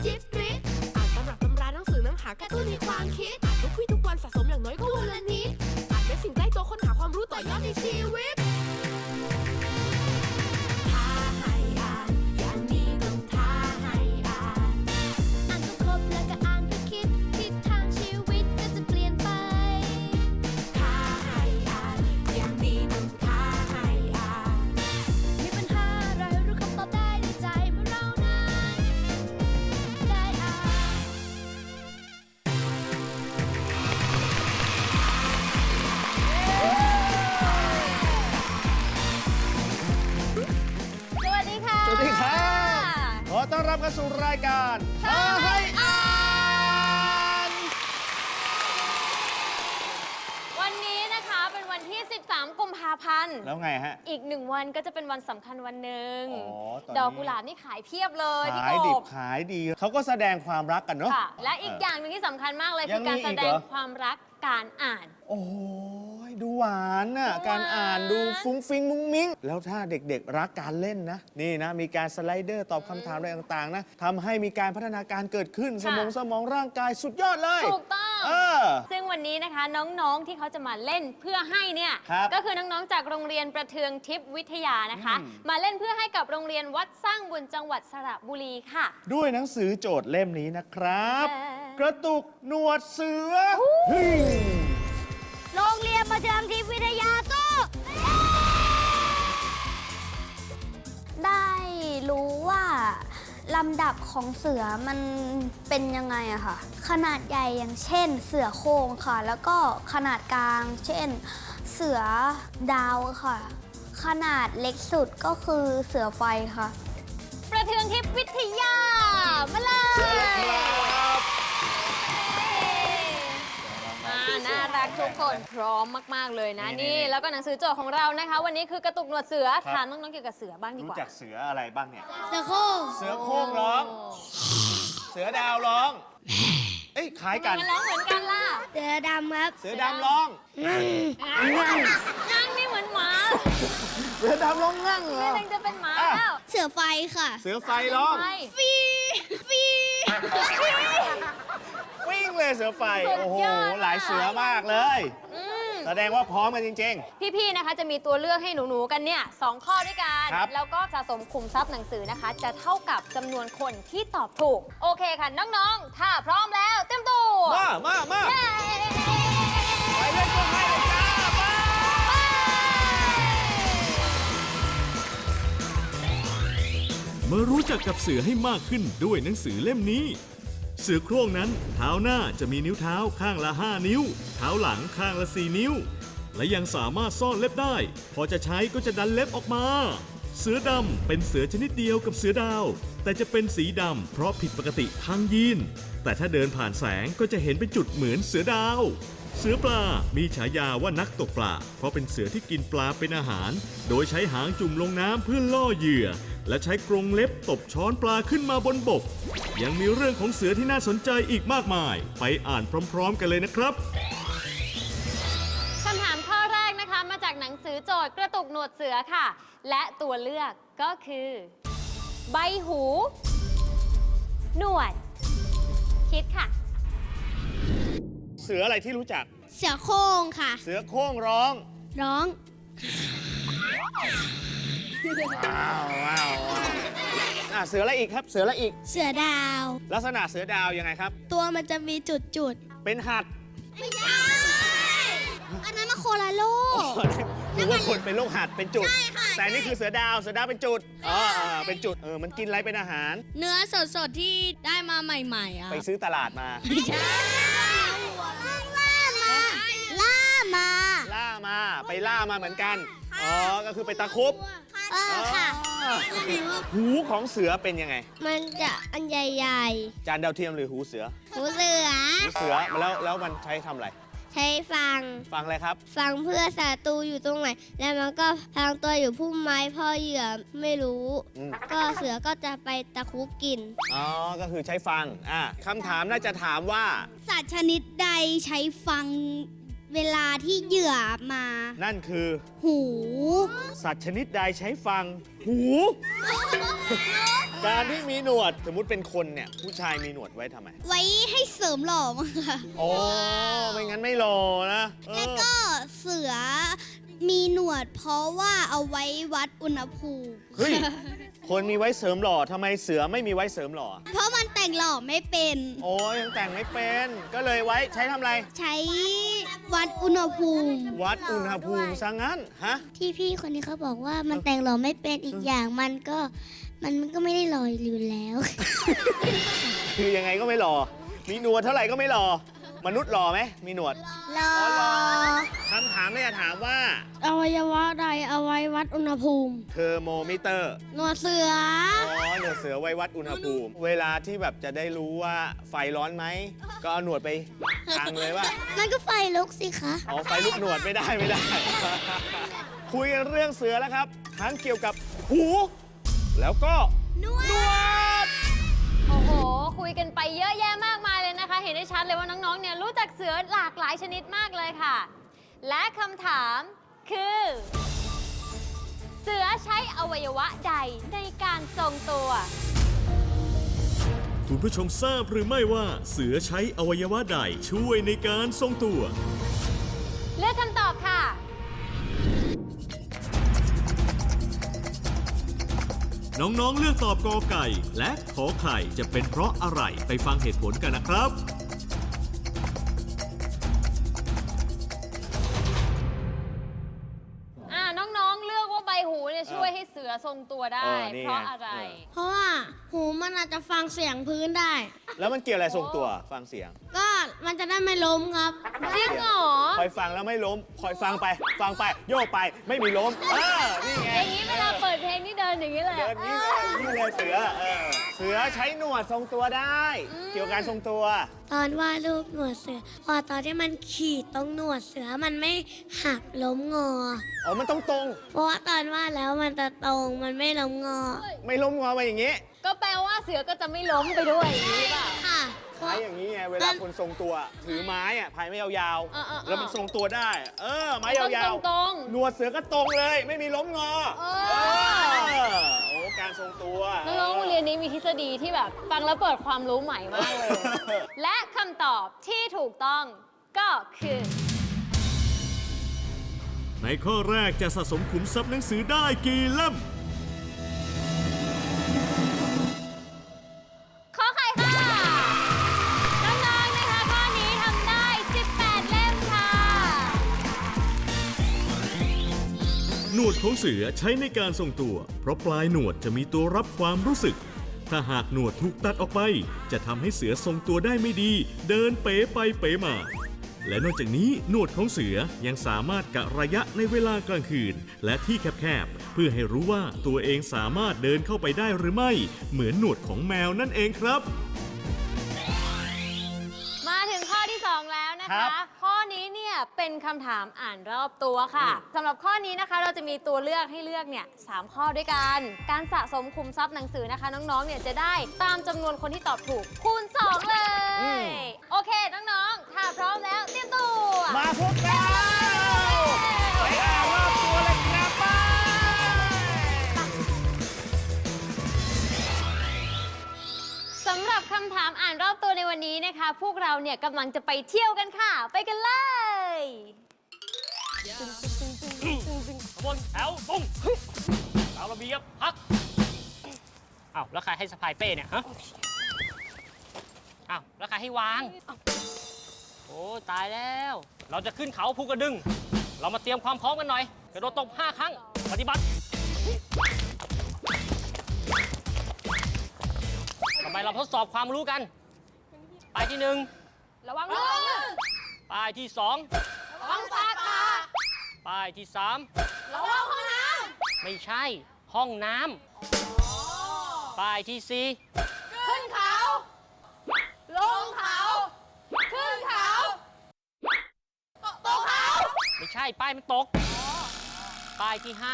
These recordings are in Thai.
จิ๊บกริ๊บอ่านตำรับตำราหนังสือน้ำหากระตุ้นในความคิดอ่านทุกวี่ทุกวันสะสมอย่างน้อยก็วันละนิดอ่านเป็นสิ่งใกล้ตัวค้นหาความรู้ต่อยอดในชีวิตท้าให้อ่านอย่างนี้ต้องท้าให้อ่านอ่านก็ครบแล้วก็อ่านก็คิดทิศทางชีวิตก็จะเปลี่ยนไปท้าให้อ่านอย่างนี้ต้องท้าให้อ่านมีปัญหาอะไรรู้คำตอบได้ในใจเมื่อเรานั้นได้อ่านสวัสดีค่ะสวัสดีครับขอต้อนรับเข้าสู่รายการท้าให้อ่านวันนี้นะคะเป็นวันที่ 13 กุมภาพันธ์แล้วไงฮะอีก1 วันก็จะเป็นวันสำคัญวันหนึ่งอ๋อตอนนี้ดอกกุหลาบนี่ขายเพียบเลยพี่ขายกดิบบ ขายดี เขาก็แสดงความรักกันเนาะค่ะ และอีกอย่างหนึ่งที่สำคัญมากเลยยัคืงอมีการอีกแสเหรอดงความรักการอ่านโอ้โหดูหวานน่ะดูหวานการอ่านดูฟุ้งฟิ้งมุ้งมิ้ง แล้วถ้าเด็กๆรักการเล่นนะ นี่นะ มีการสไลเดอร์ตอบคำถามอะไรต่างๆนะทำให้มีการพัฒนาการเกิดขึ้นสมองร่างกายสุดยอดเลยถูกต้องเออซึ่งวันนี้นะคะน้องๆที่เขาจะมาเล่นเพื่อให้เนี่ยครับก็คือน้องๆจากโรงเรียนประเทืองทิพย์วิทยานะคะ มาเล่นเพื่อให้กับโรงเรียนวัดสร้างบุญจังหวัดสระบุรีค่ะด้วยหนังสือโจทย์เล่มนี้นะครับเอ่อกระตุกหนวดเสือเฮ้ยโรงเรียนประเทืองทิพย์วิทยาสู้ได้รู้ว่าลำดับของเสือมันเป็นยังไงอะค่ะ ขนาดใหญ่อย่างเช่น เสือโคร่งค่ะ แล้วก็ขนาดกลาง เช่น เสือดาวค่ะ ขนาดเล็กสุดก็คือเสือไฟค่ะประเทืองทิพย์วิทยา มาเลยน่ารักทุกคนพร้อมมาก ๆ เลยนะนี่นี่แล้วก็หนังสือโจทย์ของเรานะคะ วันนี้คือกระตุกหนวดเสือครับถามน้องๆเกี่ยวกับเสือบ้างดีรู้กว่าจักเสืออะไรบ้างเนี่ยเสือโคร่งเสือโคร่งร้อง เสือดาวร้อง เอ้ยคล้ายกันมันร้องเหมือนกันล่ะเสือดำครับเสือดำร้องนั่งนี่เหมือนหมาเสือดำร้องงั่งเหรนี่อนังจะเป็นหมาอ่ะแล้วเสือไฟค่ะเสือไฟร้องไปวิ่งเลยเสือไฟสุดโอ้โหยอดอะหลายเสือมากเลยอืมแสดงว่าพร้อมกันจริงพี่ๆ นะคะจะมีตัวเลือกให้หนูๆ กันเนี่ย2 ข้อด้วยกันครับแล้วก็สะสมขุมทรัพย์หนังสือนะคะ จะเท่ากับจำนวนคนที่ตอบถูก โอเคค่ะ น้องๆ ถ้าพร้อมแล้วเต็มตัวๆ มาเย้ไปเล่นตัวให้เลยจ้าไปมารู้จักกับเสือให้มากขึ้นด้วยหนังสือเล่มนี้ เสือโคร่งนั้นเท้าหน้าจะมีนิ้วเท้าข้างละ 5 นิ้ว เท้าหลังข้างละ 4 นิ้ว และยังสามารถซ่อนเล็บได้ พอจะใช้ก็จะดันเล็บออกมา เสือดำเป็นเสือชนิดเดียวกับเสือดาว แต่จะเป็นสีดำเพราะผิดปกติทางยีน แต่ถ้าเดินผ่านแสงก็จะเห็นเป็นจุดเหมือนเสือดาว เสือปลา มีฉายาว่านักตกปลา เพราะเป็นเสือที่กินปลาเป็นอาหาร โดยใช้หางจุ่มลงน้ำเพื่อล่อเหยื่อ และใช้กรงเล็บตบช้อนปลาขึ้นมาบนบก ยังมีเรื่องของเสือที่น่าสนใจอีกมากมาย ไปอ่านพร้อมๆกันเลยนะครับคำถามข้อแรกนะคะ มาจากหนังสือโจทย์กระตุกหนวดเสือค่ะ และตัวเลือกก็คือ ใบหู หนวด คิดค่ะเสืออะไรที่รู้จักเสือโคร่งค่ะเสือโคร่งร้องร้องว้าวเสืออะไรอีกครับ เสืออะไรอีกเสือดาวลักษณะเสือดาวยังไงครับตัวมันจะมีจุดเป็นหัดๆ ไม่ใช่ อันนั้นมาโคลาโลหรือว่าคนเป็นโรคหัดเป็นจุดใช่ค่ะแต่นี่คือเสือดาวเป็นจุดเป็นจุด มันกินอะไรเป็นอาหารเนื้อสดๆ ที่ได้มาใหม่ๆอ่ะไปซื้อตลาดมาล่ามาล่ามา ไปล่ามาเหมือนกัน ก็คือไปตะครุบค่ะหูของเสือเป็นยังไงมันจะอันใหญ่จานดาวเทียมหรือหูเสือๆ หูเสือหูเสือแล้วมันใช้ทำอะไรใช้ฟังฟังอะไรครับฟังเพื่อศัตรูอยู่ตรงไหน แล้วมันก็พลางตัวอยู่พุ่มไม้พ่อเหยื่อไม่รู้อืมก็เสือก็จะไปตะครุบกินก็คือใช้ฟังคำถามน่าจะถามว่าสัตว์ชนิดใดใช้ฟังเวลาที่เหยื่อมานั่นคือหูสัตว์ชนิดใดใช้ฟัง หูการที่มีหนวดสมมุติเป็นคนเนี่ยผู้ชายมีหนวดไว้ทำไมไว้ให้เสริมหล่อมั้งค่ะโอ้ไม่งั้นไม่รอนะแล้วก็เสือมีหนวดเพราะว่าเอาไว้วัดอุณหภูมิเฮ้ย คนมีไว้เสริมหล่อทำไมเสือไม่มีไว้เสริมหล่อเพราะมันแต่งหล่อไม่เป็นโอ้ยังแต่งไม่เป็น ก็เลยไว้ใช้ทำอะไรใช้วัดอุณหภูมิวัดอุณหภูมิซะงั้น ฮะที่พี่คนนี้เขาบอกว่ามันแต่งหล่อไม่เป็นอีกอย่างมันก็ไม่ได้หล่ออยู่แล้วคือยังไงก็ไม่หล่อ มีหนวดเท่าไหร่ก็ไม่หล่อ มนุษย์หล่อไหม มีหนวดหล่อคำถามเนี่ยถามว่าอวัยวะใดเอาไว้วัดอุณหภูมิเทอร์โมมิเตอร์หนวดเสืออ๋อ หนวดเสือไว้วัดอุณหภูมิ เวลาที่แบบจะได้รู้ว่าไฟร้อนไหม ก็เอาหนวดไปอังเลยว่ามันก็ไฟลุกสิคะอ๋อ ไฟลุกหนวดไม่ได้ คุยกันเรื่องเสือแล้วครับ ทั้งเกี่ยวกับหู แล้วก็หนวดโอ้โห คุยกันไปเยอะแยะมากมายเลยนะคะ เห็นได้ชัดเลยว่าน้องๆ เนี่ยรู้จักเสือหลากหลายชนิดมากเลยค่ะ และคำถามคือ เสือใช้อวัยวะใดในการทรงตัวคุณผู้ชมทราบหรือไม่ว่าเสือใช้อวัยวะใดช่วยในการทรงตัวเลือกคำตอบค่ะน้องๆ เลือกตอบกอไก่ และขอไข่จะเป็นเพราะอะไรไปฟังเหตุผลกันนะครับน้องๆ เลือกว่าใบหูเนี่ยช่วยให้เสือทรงตัวได้นี่เพราะอะไรเพราะว่าหูมันอาจจะฟังเสียงพื้นได้แล้วมันเกี่ยวอะไรทรงตัว ฟังเสียงก็มันจะได้ไม่ล้มครับจริงเหรอคอยฟังแล้วไม่ล้ม คอยฟังไป ฟังไป โยกไป ไม่มีล้ม นี่ไงอย่างนี้เวลาเปิดเพลงนี่เดินอย่างนี้เลยเดินนี่เลยนี่เลยเสือ เสือใช้หนวดทรงตัวได้ เกี่ยวกับการทรงตัวตอนวาดรูปหนวดเสือ พอตอนที่มันขีดตรงหนวดเสือมันไม่หักล้มงออ๋อ มันต้องตรงเพราะว่าตอนวาดแล้วมันจะตรงมันไม่ล้มงอไม่ล้มงอมาอย่างนี้ก็แปลว่าเสือก็จะไม่ล้มไปด้วยอย่างนี้หรือเปล่าค่ะพายอย่างนี้ไง เวลาคนทรงตัว ถือไม้อะพายไม่ยาวเออๆๆแล้วมันทรงตัวได้ ไม้ยาวตรงๆหนวดเสือก็ตรงเลย ไม่มีล้มงอเออโอ้ การทรงตัวน้องๆโรงเรียนนี้มีทฤษฎีที่แบบฟังแล้วเปิดความรู้ใหม่มากเลย และคำตอบที่ถูกต้องก็คือในข้อแรกจะสะสมขุมทรัพย์หนังสือได้กี่เล่มขอไข่ค่ะ น้องๆนะคะข้อนี้ทำได้ 18 เล่มค่ะหนวดของเสือใช้ในการทรงตัว เพราะปลายหนวดจะมีตัวรับความรู้สึก ถ้าหากหนวดถูกตัดออกไป จะทำให้เสือทรงตัวได้ไม่ดี เดินเป๋ไปเป๋มา และนอกจากนี้หนวดของเสือยังสามารถกะระยะในเวลากลางคืน และที่แคบๆ เพื่อให้รู้ว่าตัวเองสามารถเดินเข้าไปได้หรือไม่ เหมือนหนวดของแมวนั่นเองครับมาถึงข้อที่ 2 แล้วนะครัคะบข้อนี้เนี่ยเป็นคำถามอ่านรอบตัวค่ะสำหรับข้อนี้นะคะเราจะมีตัวเลือกให้เลือกเนี่ย3ข้อด้วยกัน การสะสมคุมทรัพย์หนังสือนะคะ น้องๆเนี่ยจะได้ตามจำนวนคนที่ตอบถูกคูณ 2 เลย โอเค น้องๆ ถ้าพร้อมแล้วเตรียมตัวมาพวกเราไปอ่านรอบตัวเลยครับไปสำหรับคำถามอ่านรอบตัวในวันนี้นะคะ พวกเราเนี่ยกำลังจะไปเที่ยวกันค่ะ ไปกันเลยขบวนแถวตรงตามระเบียบพักอ้าวแล้วใครให้สะพายเป้เนี่ยฮะอ้าวแล้วใครให้วางโอ้ตายแล้ว เราจะขึ้นเขาภูกระดึง เรามาเตรียมความพร้อมกันหน่อยกระโดดตบ5 ครั้งปฏิบัติทำไมเราทดสอบความรู้กันป้ายที่ระวังลื่น 1ป้ายที่ระวังสาขา 2ป้ายที่ระวังห้องน้ 3ไม่ใช่ห้องน้ำป้ายที่ำขึ้นเขา ลงเขา ขึ้นเขา ตกเขา 4ไม่ใช่ป้ายมันตกป้ายที่ 5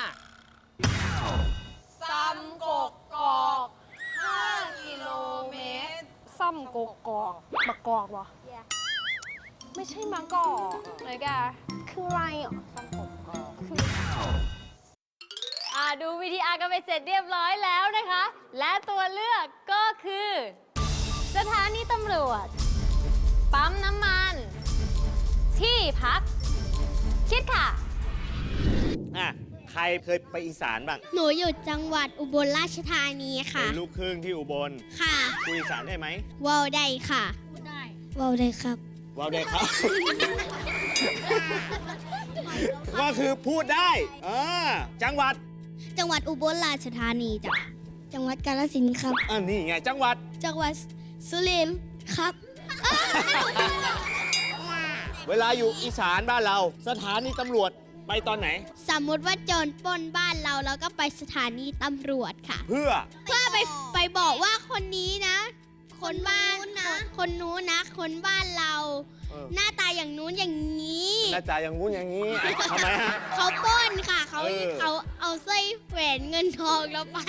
ซ้ำกกกอก5 กิโลเมตร ซ้ำกกกอกมะกอกวะไม่ใช่มะกอกเลยแกคืออะไรอ่ะซ้ำกกกอกคือดู VTR กันไปเสร็จเรียบร้อยแล้วนะคะ และตัวเลือกก็คือ สถานีตำรวจ ปั๊มน้ำมัน ที่พัก คิดค่ะอ่ะ ใครเคยไปอีสานบ้างหนูอยู่จังหวัดอุบลราชธานีเป็ค่ะนลูกครึ่งที่อุบลค่ะคุยอีสานได้ไหมวอลได้ค่ะวอลได้ครับว้าวได้ครับ ก็คือพูดได้จังหวัดจังหวัดอุบลราชธานีจ้ะ จังหวัดกาฬสินธุ์ครับนี่ไงจังหวัดจังหวัดสุรินทร์ครับเวลาอยู่อีสานบ้านเรา สถานีตำรวจไปตอนไหนสมมุติว่าโจรปล้นบ้านเราแล้วก็ไปสถานีตำรวจค่ะเพื่อไปบอกว่าคนนี้นะ คนบ้านคนนู้นนะ คนบ้านเรา หน้าตาอย่างนู้นอย่างนี้หน้าตาอย่างงู้นอย่างนี้ทำไมฮะเขาปล้นค่ะ เขาเออเอาสร้อยแหวนเงินทองเราไป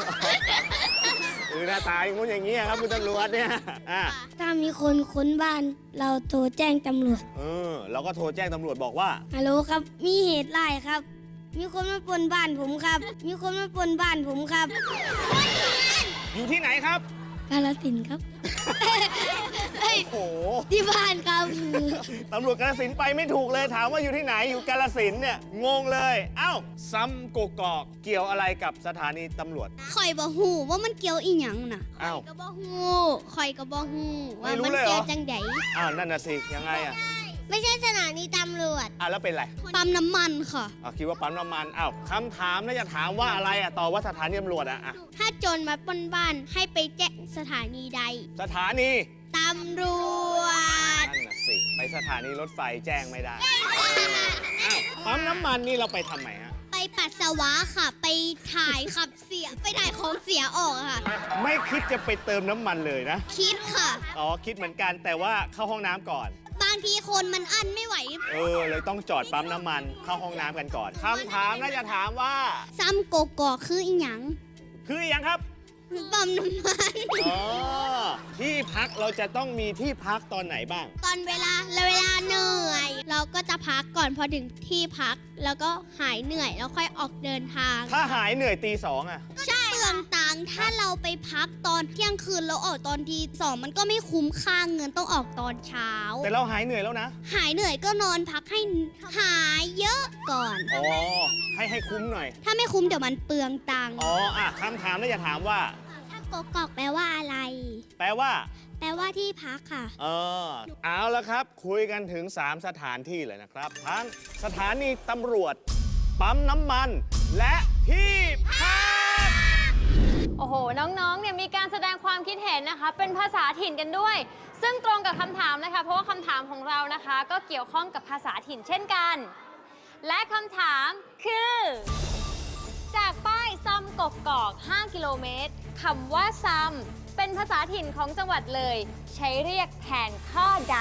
หน้าตาอย่างงู้นอย่างนี้ครับคุณตำรวจเนี่ยถ้ามีคนค้นบ้านเราโทรแจ้งตำรวจเราก็โทรแจ้งตำรวจบอกว่าฮัลโหลครับ มีเหตุร้ายครับ มีคนมาปล้นบ้านผมครับ มีคนมาปล้นบ้านผมครับอยู่ที่ไหนครับกาฬสินธุ์ครับโอ้โหที่บ้านครับตำรวจกาฬสินธุ์ไปไม่ถูกเลยถามว่าอยู่ที่ไหนอยู่กาฬสินธุ์เนี่ยงงเลยเอ้าซ้ำกกอกเกี่ยวอะไรกับสถานีตำรวจข่อยบ่ฮู้ว่ามันเกี่ยวอีหยังน่ะอ้าวก็บ่ฮู้ข่อยก็บ่ฮู้ว่าไม่รู้มันเลยเหรอเกี่ยวจังไดอ้าวนั่นน่ะสิยังไงอ่ะไม่ใช่สถานีตำรวจแล้วเป็นไรปั๊มน้ำมันค่ะคิดว่าปั๊มน้ำมันอ้าวคำถามน่าจะถามว่าอะไรตอบว่าสถานีตำรวจอ่ะถ้าโจรมาปล้นบ้านให้ไปแจ้งสถานีใดสถานีตำรวจนั่นน่ะสิไปสถานีรถไฟแจ้งไม่ได้อ้าวปั๊มน้ำมันนี่เราไปทำไมฮะไปปัสสาวะค่ะ ไปถ่ายขับเสีย ไปถ่ายของเสียออกค่ะไม่คิดจะไปเติมน้ำมันเลยนะคิดค่ะคิดเหมือนกันแต่ว่าเข้าห้องน้ำก่อนบางทีคนมันอั้นไม่ไหวเลยต้องจอดปั๊มน้ำมันเข้าห้องน้ำกันก่อนคำถามน่าจะถามว่าซ้ำโกกอกคืออีหยังคืออย่างครับปั๊มน้ำมันที่พักเราจะต้องมีที่พักตอนไหนบ้างตอนเวลาเหนื่อย เราก็จะพักก่อนพอถึงที่พัก แล้วก็หายเหนื่อยแล้วค่อยออกเดินทางถ้าหายเหนื่อยตีสองอ่ะใช่เปลืองตังค์ถ้าเราไปพักตอนเที่ยงคืนแล้วออกตอนทีสองมันก็ไม่คุ้มค่าเงินต้องออกตอนเช้าแต่เราหายเหนื่อยแล้วนะหายเหนื่อยก็นอนพักให้หายเยอะก่อนให้คุ้มหน่อยถ้าไม่คุ้มเดี๋ยวมันเปลืองตังค์คำถามน่าจะถามว่าถ้ากกอกแปลว่าอะไรแปลว่าแปลว่าที่พักค่ะเอาละครับ คุยกันถึง 3 สถานที่เลยนะครับ ทั้งสถานีตำรวจ ปั๊มน้ำมัน และที่พักโอ้โห น้องๆ เนี่ยมีการแสดงความคิดเห็นนะคะ เป็นภาษาถิ่นกันด้วย ซึ่งตรงกับคำถามนะคะ เพราะว่าคำถามของเรานะคะ ก็เกี่ยวข้องกับภาษาถิ่นเช่นกัน และคำถามคือ จากป้ายซ้ำกกอก 5 กิโลเมตรคำว่าซ้ำเป็นภาษาถิ่นของจังหวัดเลย ใช้เรียกแทนข้อใด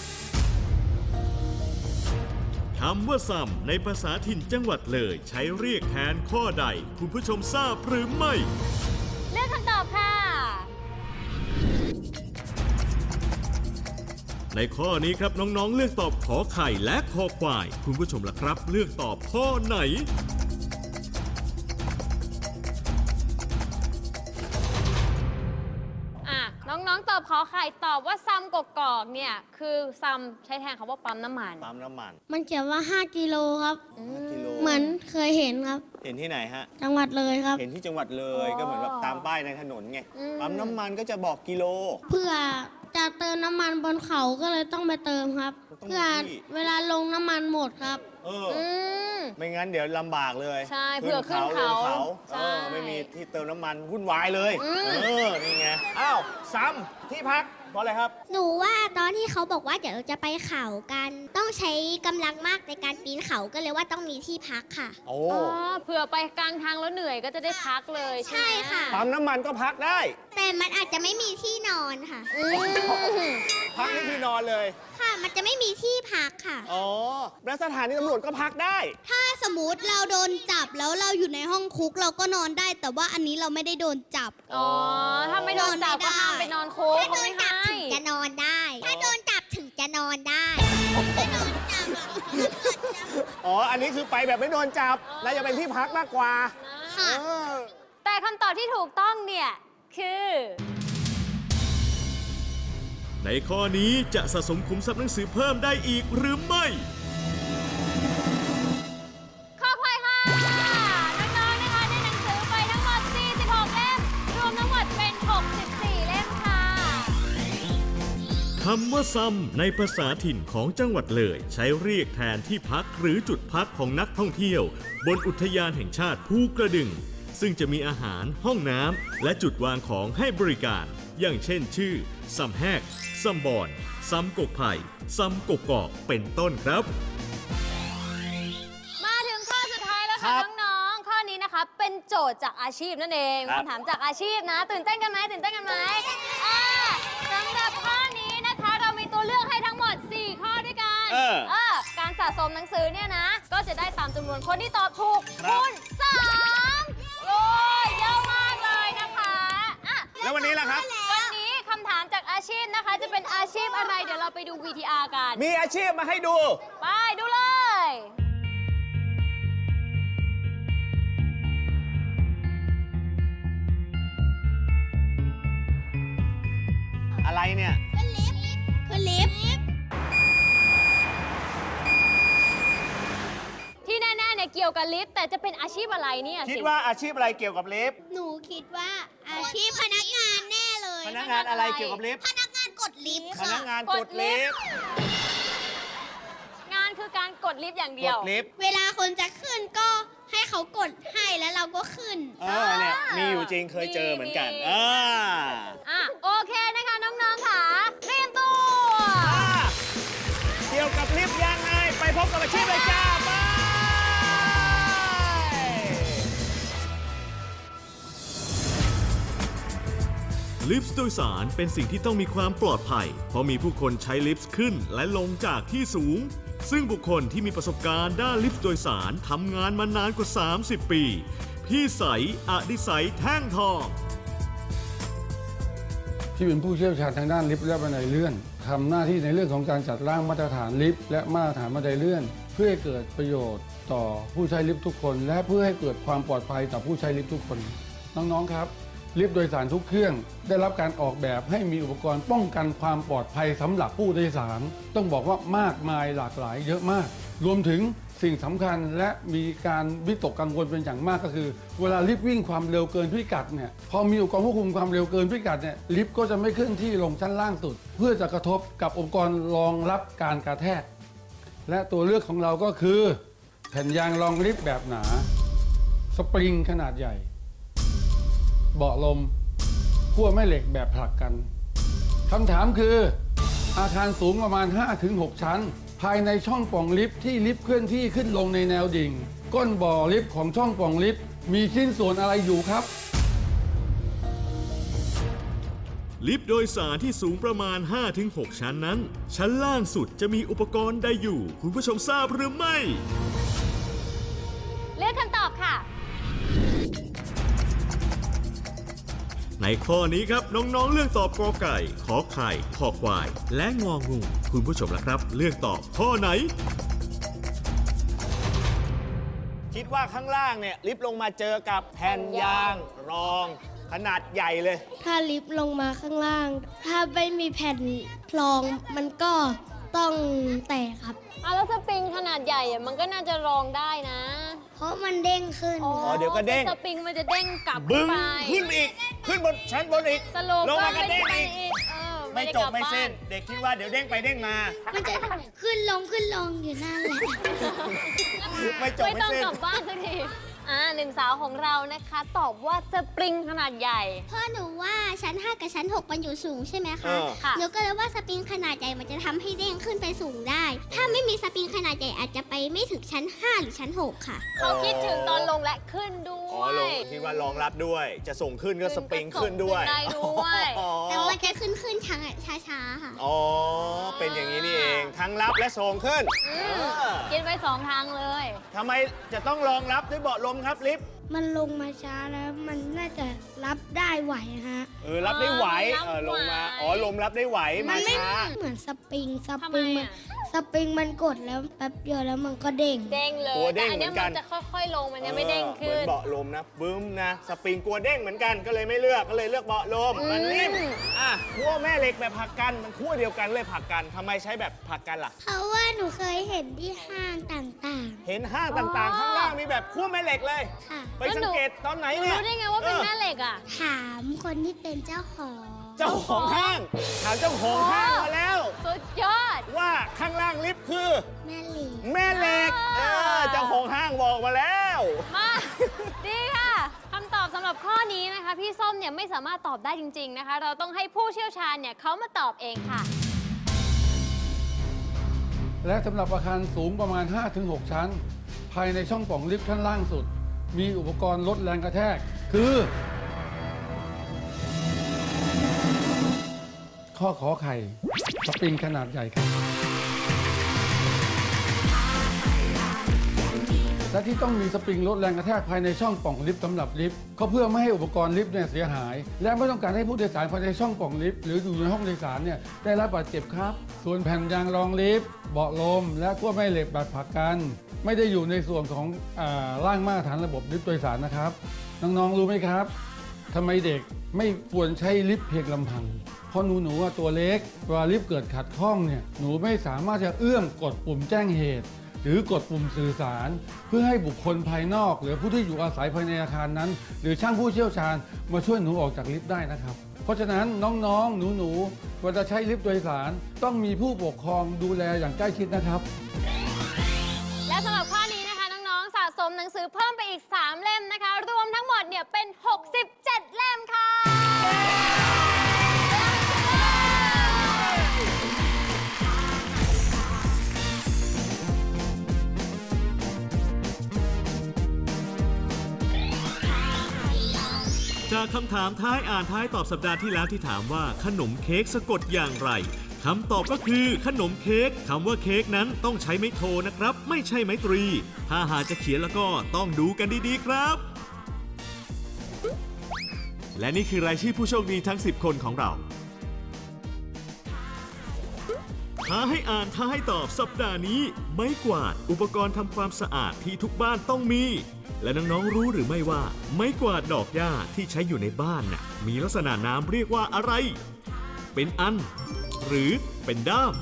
คำว่าซ้ำในภาษาถิ่นจังหวัดเลยใช้เรียกแทนข้อใด คุณผู้ชมทราบหรือไม่เลือกคำตอบค่ะในข้อนี้ครับน้องๆเลือกตอบขอไข่และคอควาย คุณผู้ชมล่ะครับ เลือกตอบข้อไหนน้องๆ ตอบขอไข่ตอบว่าซ้ำกกอกเนี่ย คือซ้ำใช้แทนคำว่าปั๊มน้ำมันปั๊มน้ำมันมันเขียนว่า 5 กิโลครับ 5 กิโลเหมือนเคยเห็นครับเห็นที่ไหนฮะจังหวัดเลยครับเห็นที่จังหวัดเลยอ๋อก็เหมือนแบบตามป้ายในถนนไง ปั๊มน้ำมันก็จะบอกกิโลเพื่อจะเติมน้ำมันบนเขาก็เลยต้องไปเติมครับต้องเพื่อที่เวลาลงน้ำมันหมดครับอืมไม่งั้นเดี๋ยวลำบากเลยใช่เผื่อขึ้นเขาลงใช่ไม่มีที่เติมน้ำมันวุ่นวายเลยอืมนี่ไง อ้าวซ้ำที่พักเพราะอะไรครับหนูว่าตอนที่เขาบอกว่าเดี๋ยวเราจะไปเขากัน ต้องใช้กำลังมากในการปีนเขาก็เลยว่าต้องมีที่พักค่ะโอ้เผื่อไปกลางทางแล้วเหนื่อยก็จะได้พักเลยใช่ไหมใช่ค่ะปั๊มน้ำมันก็พักได้แต่มันอาจจะไม่มีที่นอนค่ะอืมพักนี่คือนอนเลยค่ะ มันจะไม่มีที่พักค่ะแล้วสถานีตำรวจก็พักได้ถ้าสมมติเราโดนจับแล้วเราอยู่ในห้องคุกเราก็นอนได้ แต่ว่าอันนี้เราไม่ได้โดนจับถ้าไม่โดนจับก็ห้ามไปนอนคุกถ้าโดเขานไม่จับให้ถึงจะนอนได้ ถ้าโดนจับถึงจะนอนได้อันนี้คือไปแบบไม่โดนจับ แล้วจะเป็นที่พักมากกว่าใค่ะแต่คำตอบที่ถูกต้องเนี่ย คือในข้อนี้จะสะสมขุมทรัพย์หนังสือเพิ่มได้อีกหรือไม่ข้อควายค่ะ น้องๆ นะคะได้หนังสือไปทั้งหมด 46 เล่ม รวมทั้งหมดเป็น 64 เล่มค่ะคำว่าซ้ำในภาษาถิ่นของจังหวัดเลยใช้เรียกแทนที่พักหรือจุดพักของนักท่องเที่ยว บนอุทยานแห่งชาติภูกระดึง ซึ่งจะมีอาหารห้องน้ำและจุดวางของให้บริการ อย่างเช่นชื่อซ้ำแหกซ้ำบอนซ้ำกกไผ่ซ้ำกกอกเป็นต้นครับมาถึงข้อสุดท้ายแล้วครัค่ะบน้องๆ ข้อนี้นะคะเป็นโจทย์จากอาชีพนั่นเองครับคำถามจากอาชีพนะ ตื่นเต้นกันไหมตื่นเต้นกันไหมสำหรับข้อนี้นะคะเรามีตัวเลือกให้ทั้งหมด 4 ข้อด้วยกัน การสะสมหนังสือเนี่ยนะ ก็จะได้ตามจำนวนคนที่ตอบถูกครับคูณ3โอ้ยเยอะมากเลยนะคะอ่ะแล้ววันนี้ล่ะครับวันนี้คำถามจากอาชีพนะคะ จะเป็นอาชีพอะไรเดี๋ยวเราไปดู VTR กันมีอาชีพมาให้ดูไปดูเลยอะไรเนี่ยคือลิฟต์ที่แน่ๆเนี่ยเกี่ยวกับลิฟต์แต่จะเป็นอาชีพอะไรเนี่ยคิดสิว่าอาชีพอะไรเกี่ยวกับลิฟต์หนูคิดว่าอาชีพพนักงานแน่เลยพนักงานอะไรเกี่ยวกับลิฟต์พนักงานกดลิฟต์พค่ะนักงานกดลิฟต์งานคือการกดลิฟต์อย่างกเดียวดลิฟต์เวลาคนจะขึ้นก็ให้เขากดให้แล้วเราก็ขึ้นเนี่ยมีอยู่จริงเคยเจอเหมือนกันโอเคนะคะน้องๆค่ะเตรียมตัวเกี่ยวกับลิฟต์ยังไง ไปพบกับอาชีพเลยจ้าไปลิฟต์โดยสารเป็นสิ่งที่ต้องมีความปลอดภัย เพราะมีผู้คนใช้ลิฟต์ขึ้นและลงจากที่สูง ซึ่งบุคคลที่มีประสบการณ์ด้านลิฟต์โดยสารทำงานมานานกว่า 30 ปี พี่ใสอดิไสยแท่งทองที่เป็นผู้เชี่ยวชาญทางด้านลิฟต์และบันไดเลื่อนทำหน้าที่ในเรื่องของการจัดร่างมาตรฐานลิฟต์และมาตรฐานบันไดเลื่อน เพื่อให้เกิดประโยชน์ต่อผู้ใช้ลิฟต์ทุกคน และเพื่อให้เกิดความปลอดภัยต่อผู้ใช้ลิฟต์ทุกคน น้องๆครับลิฟต์โดยสารทุกเครื่องได้รับการออกแบบให้มีอุปกรณ์ป้องกันความปลอดภัยสำหรับผู้โดยสารต้องบอกว่ามากมายหลากหลายเยอะมาก รวมถึงสิ่งสำคัญและมีการวิตกกังวลเป็นอย่างมากก็คือ เวลาลิฟต์วิ่งความเร็วเกินพิกัดเนี่ยพอมีอุปกรณ์ควบคุมความเร็วเกินพิกัดเนี่ยลิฟต์ก็จะไม่เคลื่อนที่ลงชั้นล่างสุด เพื่อจะกระทบกับอุปกรณ์รองรับการกระแทก และตัวเลือกของเราก็คือ แผ่นยางรองลิฟต์แบบหนา สปริงขนาดใหญ่ เบาะลมขั้วแม่เหล็กแบบผลักกันคำถามคืออาคารสูงประมาณ 5-6 ชั้น ภายในช่องปล่องลิฟต์ที่ลิฟต์เคลื่อนที่ขึ้นลงในแนวดิ่ง ก้นบ่อลิฟต์ของช่องปล่องลิฟต์มีชิ้นส่วนอะไรอยู่ครับลิฟต์โดยสารที่สูงประมาณ 5-6 ชั้นนั้น ชั้นล่างสุดจะมีอุปกรณ์ใดอยู่ คุณผู้ชมทราบหรือไม่เลือกคำตอบค่ะในข้อนี้ครับน้องๆเลือกตอบกอไก่ ขอไข่ขอควาย และงองู คุณผู้ชมล่ะครับ เลือกตอบข้อไหนคิดว่าข้างล่างเนี่ยลิฟต์ลงมาเจอกับแผ่นยางรองขนาดใหญ่เลยถ้าลิฟต์ลงมาข้างล่าง ถ้าไม่มีแผ่นรองมันก็ต้องแตกครับแล้วสปริงขนาดใหญ่อะมันก็น่าจะรองได้นะเพราะมันเด้งขึ้นเดี๋ยวก็เด้งสปริงมันจะเด้งกลับบึ้งไปขึ้นอีก ขึ้นบนชั้นบนอีกสรุปลงก็มากระไม่ได้เด้งไปอีกอีกไม่จบไม่ได้กลัไม่บ้าสิ้น เด็กคิดว่าเดี๋ยวเด้งไปเด้งมามันจะขึ้นลงอยู่นั่นแหละไม่จบไม่ไม่ต้องสิ้นกลับบ้านสักทีหนึ่งสาวของเรานะคะ ตอบว่าสปริงขนาดใหญ่เพราะหนูว่าชั้น 5 กับชั้น 6 มันอยู่สูงใช่ไหมเอคะอค่ะหนูก็เลยว่าสปริงขนาดใหญ่มันจะทำให้เด้งขึ้นไปสูงได้ ถ้าไม่มีสปริงขนาดใหญ่อาจจะไปไม่ถึงชั้น 5 หรือชั้น 6 ค่ะเขาคิดถึงตอนลงและขึ้นด้วอ๋อย ลงคิดว่ารองรับด้วย จะส่งขึ้นก็สปริงขึ้นด้วยได้ด้วยอ๋อแต่มันจะขึ้นช้าๆค่ะอ๋อ เป็นอย่างนี้นี่เอง ทั้งรับและส่งขึ้นคิดไว้สองทางเลยทำไมจะต้องรองรับด้วยเบาะลมครับลิฟต์มันลงมาช้าแล้วมันน่าจะรับได้ไหวฮะรับได้ไหวรับไหวลงมา อ๋อ ลมรับได้ไหว มาช้าเหมือนสปริงทำไมมันอะสสปริงมันกดแล้วแป๊บเดียวแล้วมันก็เด้งเด้งเลยกลัวเด้แต่งอันเนี้ยเหมือนกัมัน นจะค่อยๆลงมันยังไม่เด้งเหมืขึ้อน นเบาะลมนะบึ้มนะสปริงกลัวเด้งเหมือนกันก็เลยไม่เลือกก็เลยเลือกเบาะลมมันนิ่มขั้วแม่เหล็กแบบผลักกันมันขั้วเดียวกันเลยผลักกันทำไมใช้แบบผลักกันล่ะเพราะว่าหนูเคยเห็นที่ห้างต่างเห็นห้างต่างๆ ข้างล่างมีแบบขั้วแม่เหล็กเลยๆ ค่ะไปสังเกตตอนไหนเนี่ยรู้ได้ไงว่าเป็นแม่เหล็กอ่ะถามคนที่เป็นเจ้าของเจ้าของห้างถามเจ้าของห้างมาแล้วสุดยอดว่าข้างล่างลิฟต์คือแม่เหล็กแม่เหล็กเจ้าของห้างบอกมาแล้วมา ดีค่ะคำตอบสำหรับข้อนี้นะคะ พี่ส้มเนี่ยไม่สามารถตอบได้จริง ๆนะคะ เราต้องให้ผู้เชี่ยวชาญเนี่ยเขามาตอบเองค่ะและสำหรับอาคารสูงประมาณ 5-6 ชั้น ภายในช่องปล่องลิฟต์ชั้นล่างสุด มีอุปกรณ์ลดแรงกระแทก คือ ข้อขอไข่สปริงขนาดใหญ่ครับและที่ต้องมีสปริงลดแรงกระแทกภายในช่องปล่องลิฟต์สำหรับลิฟต์ก็เพื่อไม่ให้อุปกรณ์ลิฟต์เนี่ยเสียหาย และไม่ต้องการให้ผู้โดยสารภายในช่องปล่องลิฟต์หรืออยู่ในห้องโดยสารเนี่ยได้รับบาดเจ็บครับ ส่วนแผ่นยางรองลิฟต์เบาะลมและขั้วแม่เหล็กแบบผลักกันไม่ได้อยู่ในส่วนของร่างมาตรฐานระบบลิฟต์โดยสารนะครับน้องๆรู้ไหมครับทำไมเด็กไม่ควรใช้ลิฟต์เพียงลำพังเพราะหนูว่าตัวเล็กเวลาลิฟต์เกิดขัดข้องเนี่ยหนูไม่สามารถจะเอื้อมกดปุ่มแจ้งเหตุหรือกดปุ่มสื่อสารเพื่อให้บุคคลภายนอกหรือผู้ที่อยู่อาศัยภายในอาคารนั้นหรือช่างผู้เชี่ยวชาญมาช่วยหนูออกจากลิฟต์ได้นะครับเพราะฉะนั้นน้องๆหนูเวลาใช้ลิฟต์โดยสารต้องมีผู้ปกครองดูแลอย่างใกล้ชิดนะครับและสำหรับข้อนี้นะคะน้องๆสะสมหนังสือเพิ่มไปอีก 3 เล่มนะคะ รวมทั้งหมดเนี่ยเป็น 67 เล่มค่ะจากคำถามท้ายอ่านท้ายตอบสัปดาห์ที่แล้วที่ถามว่าขนมเค้กสะกดอย่างไรคำตอบก็คือขนมเค้กคำว่าเค้กนั้นต้องใช้ไม้โทนะครับ ไม่ใช่ไม้ตรี ถ้าหากจะเขียนแล้วก็ต้องดูกันดีๆครับ และนี่คือรายชื่อผู้โชคดีทั้ง 10 คนของเราท้าให้อ่านท้าให้ตอบสัปดาห์นี้ไม้กวาดอุปกรณ์ทำความสะอาดที่ทุกบ้านต้องมี และน้องๆรู้หรือไม่ว่าไม้กวาดดอกหญ้าที่ใช้อยู่ในบ้านน่ะมีลักษณะนามเรียกว่าอะไร เป็นอัน หรือเป็นด้าม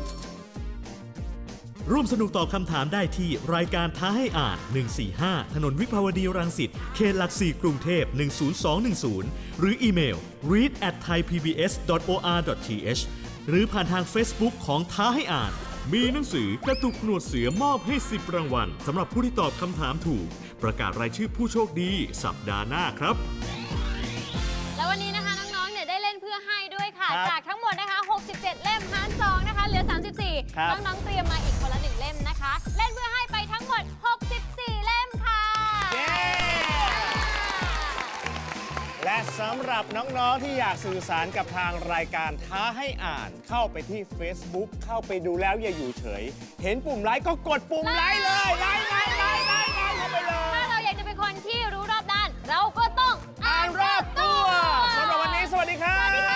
ร่วมสนุกตอบคำถามได้ที่รายการท้าให้อ่าน 145 ถนนวิภาวดีรังสิต เขตหลัก4กรุงเทพ 10210 หรืออีเมล read@thaipbs.or.th หรือผ่านทาง Facebook ของท้าให้อ่าน มีหนังสือกระตุกหนวดเสือมอบให้ 10 รางวัลสำหรับผู้ที่ตอบคำถามถูก ประกาศรายชื่อผู้โชคดีสัปดาห์หน้าครับแล้ววันนี้นะคะน้องๆเนี่ยได้เล่นเพื่อให้ด้วยค่ะครับจากทั้งหมดนะคะ 67 เล่มหาร2นะคะเหลือ 34 ครับน้องๆเตรียมมาอีกคนละ 1 เล่มนะคะ เล่นเพื่อให้ไปทั้งหมด 64 เล่มค่ะเย้ และสำหรับน้องๆที่อยากสื่อสารกับทางรายการท้าให้อ่านเข้าไปที่ Facebook เข้าไปดูแล้วอย่าอยู่เฉย เห็นปุ่มไลค์ก็กดปุ่มไลค์เลยไลค์เข้าไปเลยถ้าเราอยากจะเป็นคนที่รู้รอบด้าน เราก็ต้องอ่านรอบตัวสำหรับวันนี้สวัสดีครับ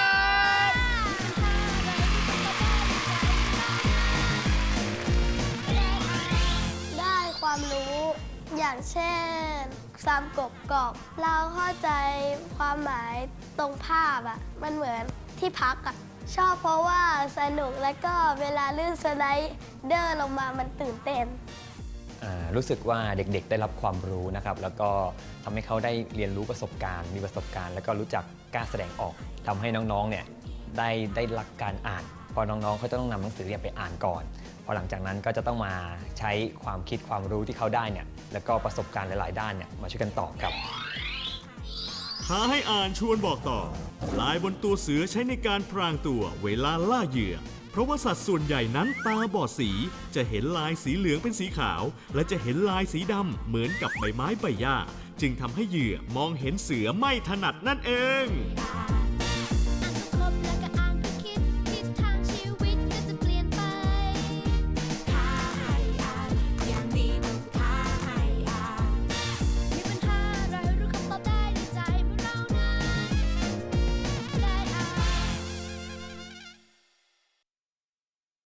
ได้ความรู้อย่างเช่นซ้ำกบกอบเราเข้าใจความหมายตรงภาพอ่ะมันเหมือนที่พักอ่ะชอบเพราะว่าสนุกแล้วก็เวลาลื่นสไลเดอร์ลงมามันตื่นเต้นรู้สึกว่าเด็กๆได้รับความรู้นะครับ แล้วก็ทำให้เขาได้เรียนรู้ประสบการณ์มีประสบการณ์ แล้วก็รู้จักกล้าแสดงออกทำให้น้องๆเนี่ยได้รักการอ่านพอน้องๆเขาจะต้องนำหนังสือไปอ่านก่อนพอหลังจากนั้นก็จะต้องมาใช้ความคิดความรู้ที่เขาได้เนี่ยแล้วก็ประสบการณ์หลายๆด้านเนี่ยมาช่วยกันตอบครับท้าให้อ่านชวนบอกต่อ ลายบนตัวเสือใช้ในการพรางตัวเวลาล่าเหยื่อ เพราะว่าสัตว์ส่วนใหญ่นั้นตาบอดสี จะเห็นลายสีเหลืองเป็นสีขาว และจะเห็นลายสีดำเหมือนกับใบไม้ใบหญ้า จึงทำให้เหยื่อมองเห็นเสือไม่ถนัดนั่นเอง